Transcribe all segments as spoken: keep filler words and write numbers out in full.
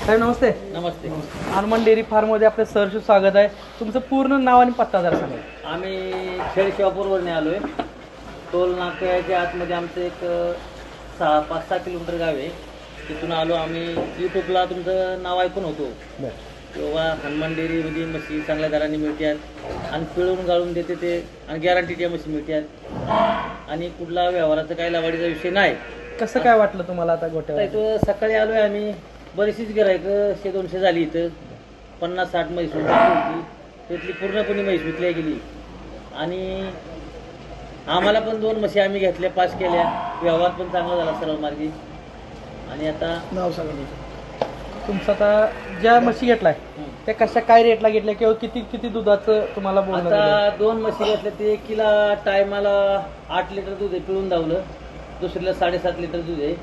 साहेब नमस्ते. नमस्ते. Hanuman dairy फार्ममध्ये आपलं सहर्ष स्वागत आहे. तुमचं पूर्ण नाव आणि पत्ता जरा सांगा. आम्ही खेड शिवापूरवरून आलो आहे. टोल नाक्याच्या आतमध्ये आमचं एक सहा पाच सहा किलोमीटर गाव आहे. तिथून आलो आम्ही. यूट्यूबला तुमचं नाव ऐकून होतो किंवा हनुमान डेअरीमध्ये म्हशी चांगल्या दराने मिळतात आणि पिळून गाळून देते ते आणि गॅरंटीच्या म्हशी मिळतात आणि कुठला व्यवहाराचा काही लावाडीचा विषय नाही. कसं काय वाटलं तुम्हाला आता गोट्यावर? इथं सकाळी आलो आहे आम्ही. बरीचशीच गिरायकं शे दोनशे झाली. इथं पन्नास साठ म्हैस होती. त्यातली पूर्णपणे म्हैस विकल्या गेली आणि आम्हाला पण दोन म्हशी आम्ही घेतल्या, पास केल्या. व्यवहार पण चांगला झाला सरळ मार्गी. आणि आता नाव सांगा तुमचं. आता ज्या म्हशी घेतलाय त्या कशा काय रेटला घेतल्या किंवा किती किती दुधाचं तुम्हाला बोलणं झालं? आता दोन म्हशी घेतल्या. ते एकीला टायमाला आठ लिटर दूध आहे पिळून धावलं, दुसरीला साडेसात लिटर दूध आहे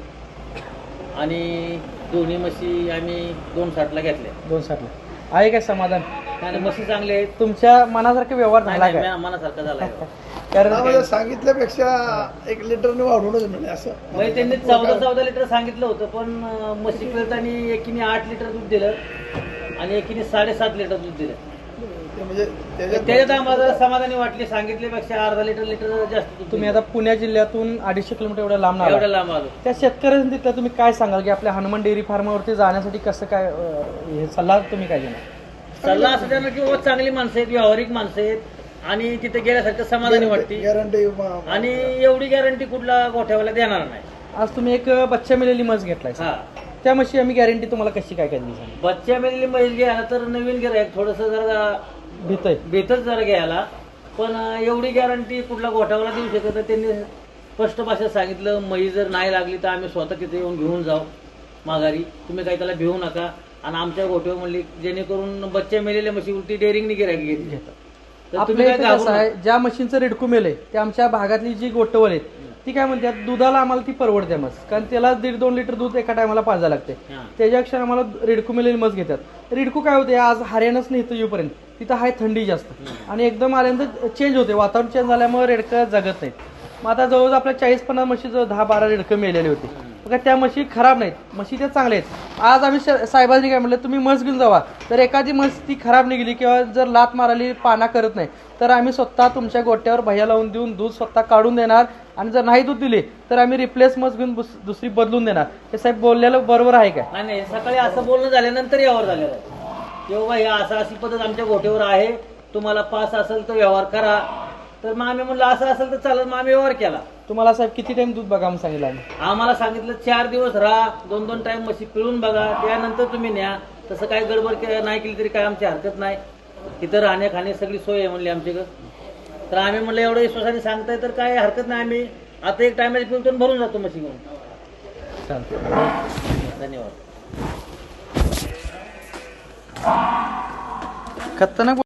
आणि दोन्ही म्हशी आम्ही दोन साठला घेतल्या. दोन साठला आहे काय समाधान? आणि म्हशी चांगले आहेत. तुमच्या मनासारखा व्यवहार झाला काय? नाही, मनासारखा झाला. कारण सांगितल्यापेक्षा एक लिटरने वाढवूनच म्हणजे असं म्हणजे त्यांनी चौदा चौदा लिटर सांगितलं होतं, पण म्हशी पिळताना एकीने आठ लिटर दूध दिलं आणि एकीने साडेसात लिटर दूध दिलं. म्हणजे त्याच्यात आम्हाला समाधानी वाटली. सांगितल्यापेक्षा अर्धा लिटर लिटर जास्त दूध. तुम्ही आता पुणे जिल्ह्यातून अडीचशे किलोमीटर एवढ्या लांब एवढ्या आला. लांब आलो. त्या शेतकऱ्यांनी तिथल्या तुम्ही काय सांगाल की आपल्या हनुमान डेअरी फार्मावरती जाण्यासाठी कसं काय अं, हे सल्ला तुम्ही काय देणार? सल्ला असं त्यांना की बाबा चांगली माणसं आहेत, व्यावहारिक माणसं आहेत आणि तिथे गेल्यासारखं समाधानी वाटते. गॅरंटी आणि एवढी गॅरंटी कुठला गोठ्यावाला देणार नाही. आज तुम्ही एक बच्चा मिळालेली म्हस घेतलाय. हा, त्या म्हशी आम्ही गॅरंटी तुम्हाला कशी काय काय दिली सांगा? बच्च्या मेलेली म्हैस घ्यायला तर नवीन गिरायक थोडंसं जरा भीतय बेतच जरा घ्यायला, पण एवढी गॅरंटी कुठला गोठ्यावाला देऊ शकत नाही. त्यांनी स्पष्ट भाषेत सांगितलं, म्हैस जर नाही लागली तर आम्ही स्वतः तिथे येऊन घेऊन जाऊ माघारी. तुम्ही काही त्याला भिवू नका. आणि आमच्या गोठ्यावर म्हणली जेणेकरून बच्चे मेलेल्या म्हशी उलटी डेअरिंगने गिरायक घेतली. तर तुम्ही आपल्या काय इथं घाबरू कसं आहे, नका. ज्या म्हशींचं रेडकू मेल आहे ते आमच्या भागातली जी गोटवल आहेत ती काय म्हणतात, दुधाला आम्हाला ती परवडते मस, कारण त्याला दीड दोन लिटर दूध एका टायमाला पाजायला लागते. हा. त्याच्यापेक्षा आम्हाला रेडकू मेलेली मस घेतात. रेडकू काय होते, आज हरियाणाच नाही इथं येऊपर्यंत तिथं आहे थंडी जास्त आणि एकदम आल्यानंतर चेंज होते, वातावरण चेंज झाल्यामुळे रेडकं जगत नाहीत. मग आता जवळजवळ आपल्या चाळीस पन्नास म्हशीचं दहा बारा रेडकं मेलेले होते. मग त्या म्हशी खराब नाहीत, म्हशी त्या चांगल्या आहेत. आज आम्ही साहेबांनी काय म्हटलं, तुम्ही म्हस घेऊन जावा. तर एखादी म्हस ती खराब निघाली किंवा जर लात माराली, पाना करत नाही, तर आम्ही स्वतः तुमच्या गोट्यावर भैया लावून देऊन दूध स्वतः काढून देणार. आणि जर नाही दूध दिले तर आम्ही रिप्लेस म्हस घेऊन दुसरी बदलून देणार. हे साहेब बोललेलं बरोबर आहे काय? नाही नाही, सकाळी असं बोलणं झाल्यानंतर यावर झालेलं आहे की बाबा ही असं अशी पद्धत आमच्या गोठ्यावर आहे, तुम्हाला पास असेल तर व्यवहार करा. तर मग आम्ही म्हणलं असं असेल तर चालत. मग आम्ही व्यवहार केला. तुम्हाला साहेब किती टाइम दूध बघा म्हणून सांगितलं आम्ही? आम्हाला सांगितलं चार दिवस राहा, दोन दोन टाइम म्हशी पिळून बघा, त्यानंतर तुम्ही न्या. तसं काही गडबड के- नाही केली तरी काय आमची हरकत नाही. इथं राहण्या खाणे सगळी सोय आहे म्हणली आमच्याकडं. तर आम्ही म्हणलं एवढं विश्वासाने सांगताय तर काय हरकत नाही. आम्ही आता एक टायमाची पिळतो आणि भरून जातो म्हशी घेऊन. चालतं. धन्यवाद. खतरनाक